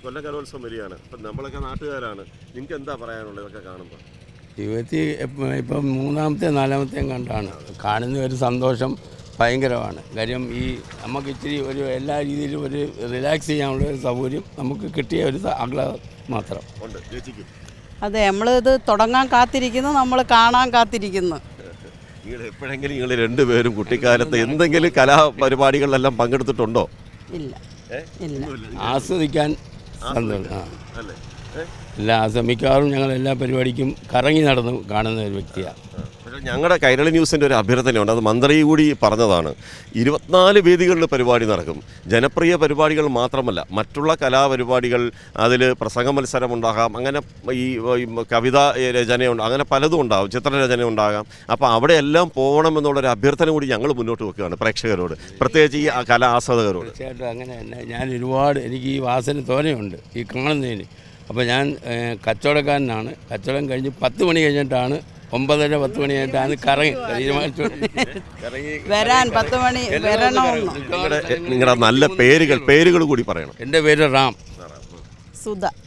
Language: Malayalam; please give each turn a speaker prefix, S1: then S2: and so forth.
S1: കൊല്ലകലോത്സവം വരികയാണ്. അപ്പം നമ്മളൊക്കെ നാട്ടുകാരാണ്. നിങ്ങൾക്ക് എന്താ പറയാനുള്ളത് ഇതൊക്കെ കാണുമ്പോൾ?
S2: ജീവിതത്തിൽ ഇപ്പം മൂന്നാമത്തെയും നാലാമത്തെയും കണ്ടാണ് കാണുന്ന ഒരു സന്തോഷം ഭയങ്കരമാണ്. കാര്യം ഈ നമുക്ക് ഇച്ചിരി ഒരു എല്ലാ രീതിയിലും ഒരു റിലാക്സ് ചെയ്യാനുള്ള ഒരു സൗകര്യം നമുക്ക് കിട്ടിയ ഒരു ആഹ്ലാദം മാത്രം
S1: ഉണ്ട് ചേച്ചിക്ക്.
S3: അതെ, നമ്മളിത് തുടങ്ങാൻ കാത്തിരിക്കുന്നു, നമ്മൾ കാണാൻ കാത്തിരിക്കുന്നു.
S1: നിങ്ങൾ എപ്പോഴെങ്കിലും നിങ്ങൾ രണ്ടുപേരും കുട്ടിക്കാലത്ത് എന്തെങ്കിലും കലാപരിപാടികളിലെല്ലാം പങ്കെടുത്തിട്ടുണ്ടോ?
S3: ഇല്ല ഇല്ല.
S2: ആസ്വദിക്കാൻ സന്തോഷം.
S1: അല്ലേ?
S2: എല്ലാ മിക്കവാറും ഞങ്ങൾ എല്ലാ പരിപാടിക്കും കറങ്ങി നടന്ന് കാണുന്ന ഒരു വ്യക്തിയാണ്.
S1: പക്ഷേ ഞങ്ങളുടെ കൈരളി ന്യൂസിൻ്റെ ഒരു അഭ്യർത്ഥനയുണ്ട്, അത് മന്ത്രി കൂടി പറഞ്ഞതാണ്. 24 വേദികളിൽ പരിപാടി നടക്കും. ജനപ്രിയ പരിപാടികൾ മാത്രമല്ല, മറ്റുള്ള കലാപരിപാടികൾ, അതിൽ പ്രസംഗ മത്സരം ഉണ്ടാകാം, അങ്ങനെ ഈ കവിത രചനയുണ്ട്, അങ്ങനെ പലതും ഉണ്ടാകും, ചിത്രരചന ഉണ്ടാകാം. അപ്പോൾ അവിടെയെല്ലാം പോകണമെന്നുള്ളൊരു അഭ്യർത്ഥന കൂടി ഞങ്ങൾ മുന്നോട്ട് വെക്കുകയാണ് പ്രേക്ഷകരോട്, പ്രത്യേകിച്ച് ഈ കലാ ആസ്വാദകരോട്.
S2: തീർച്ചയായിട്ടും അങ്ങനെ തന്നെ. ഞാൻ എനിക്ക് ഈ വാസന തോനെയുണ്ട് ഈ കാണുന്നതിന്. അപ്പോൾ ഞാൻ കച്ചവടക്കാരനാണ്. കച്ചവടം കഴിഞ്ഞ് 10 മണി കഴിഞ്ഞിട്ടാണ് 9:30-10 മണി കഴിഞ്ഞിട്ടാണ് കറങ്ങി തീരുമാനിച്ചു
S3: വരാൻ 10 മണി വരണം.
S1: നിങ്ങളുടെ നല്ല പേരുകൾ കൂടി പറയണം.
S2: എൻ്റെ പേര് റാം.
S3: സുധ.